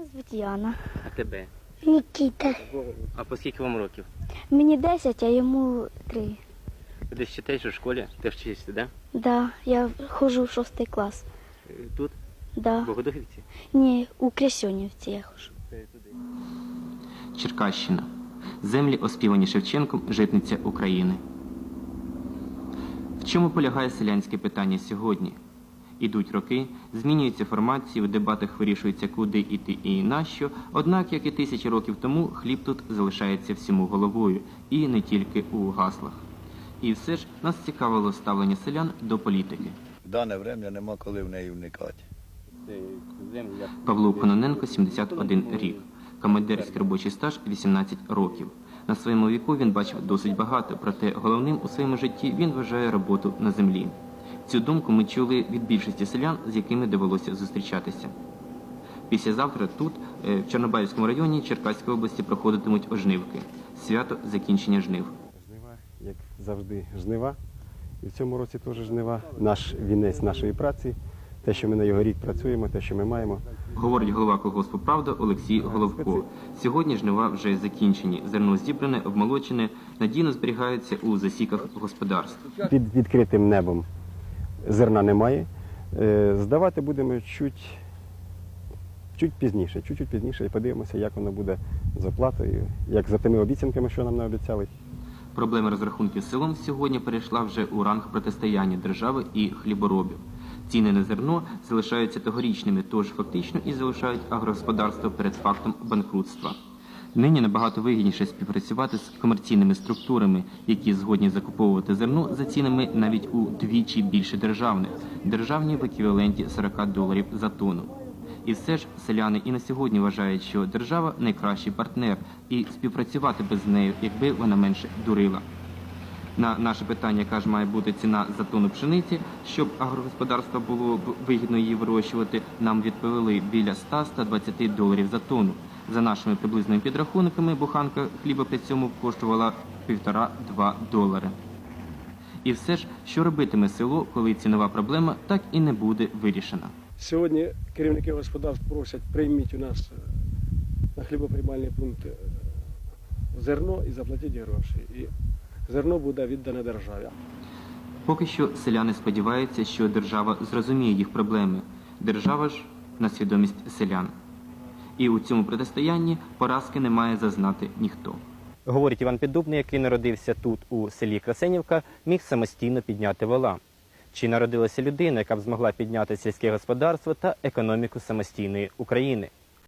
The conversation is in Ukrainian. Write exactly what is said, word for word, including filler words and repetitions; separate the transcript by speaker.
Speaker 1: звуть Яна.
Speaker 2: А тебе?
Speaker 3: Нікіта.
Speaker 2: А по скільки вам років?
Speaker 1: Мені десять, а йому три.
Speaker 2: Ти десь читаєш у школі? Ти вчишся, да?
Speaker 1: Да, я ходжу в шостий клас.
Speaker 2: Е, Тут?
Speaker 1: Да.
Speaker 2: В Богодухівці?
Speaker 1: Ні, у Крясьонівці я ходжу.
Speaker 2: Черкащина. Землі, оспівані Шевченком, житниця України. В чому полягає селянське питання сьогодні? Ідуть роки, змінюються формації, в дебатах вирішується, куди йти і нащо, однак, як і тисячі років тому, хліб тут залишається всьому головою, і не тільки у гаслах. І все ж нас цікавило ставлення селян до політики.
Speaker 4: В дане время нема коли в неї вникати.
Speaker 2: Павло Кононенко, сімдесят один рік. Командирський робочий стаж – вісімнадцять років. На своєму віку він бачив досить багато, проте головним у своєму житті він вважає роботу на землі. Цю думку ми чули від більшості селян, з якими довелося зустрічатися. Післязавтра тут, в Чорнобаївському районі Черкаської області, проходитимуть ожнивки. Свято закінчення жнив.
Speaker 5: Жнива, як завжди, жнива. І в цьому році теж жнива. Наш вінець нашої праці, те, що ми на його рік працюємо, те, що ми маємо.
Speaker 2: Говорить голова колгоспу «Правда» Олексій Головко. Сьогодні жнива вже закінчені. Зерно зібране, обмолочене, надійно зберігається у засіках господарств.
Speaker 5: Під відкритим небом зерна немає. Е, Здавати будемо чуть, чуть пізніше, чуть-чуть пізніше і подивимося, як воно буде з оплатою, як за тими обіцянками, що нам наобіцяли.
Speaker 2: Проблема розрахунків з селом сьогодні перейшла вже у ранг протистояння держави і хліборобів. Ціни на зерно залишаються тогорічними, тож фактично і залишають агрогосподарство перед фактом банкрутства. Нині набагато вигідніше співпрацювати з комерційними структурами, які згодні закуповувати зерно за цінами навіть удвічі більше державних, державні в еквіваленті сорок доларів за тонну. І все ж селяни і на сьогодні вважають, що держава – найкращий партнер, і співпрацювати без неї, якби вона менше дурила. На наше питання, яка ж має бути ціна за тонну пшениці, щоб агрогосподарство було б вигідно її вирощувати, нам відповіли біля ста - ста двадцяти доларів за тонну. За нашими приблизними підрахунками, буханка хліба при цьому коштувала півтора-два долари. І все ж, що робитиме село, коли цінова проблема так і не буде вирішена?
Speaker 6: Сьогодні керівники господарств просять, прийміть у нас на хлібоприймальний пункт зерно і заплатіть гроші. І зерно буде віддане державі.
Speaker 2: Поки що селяни сподіваються, що держава зрозуміє їх проблеми. Держава ж на свідомість селян. І у цьому протистоянні поразки не має зазнати ніхто. Говорить Іван Піддубний, який народився тут, у селі Красенівка, міг самостійно підняти вола. Чи народилася людина, яка б змогла підняти сільське господарство та економіку самостійної України?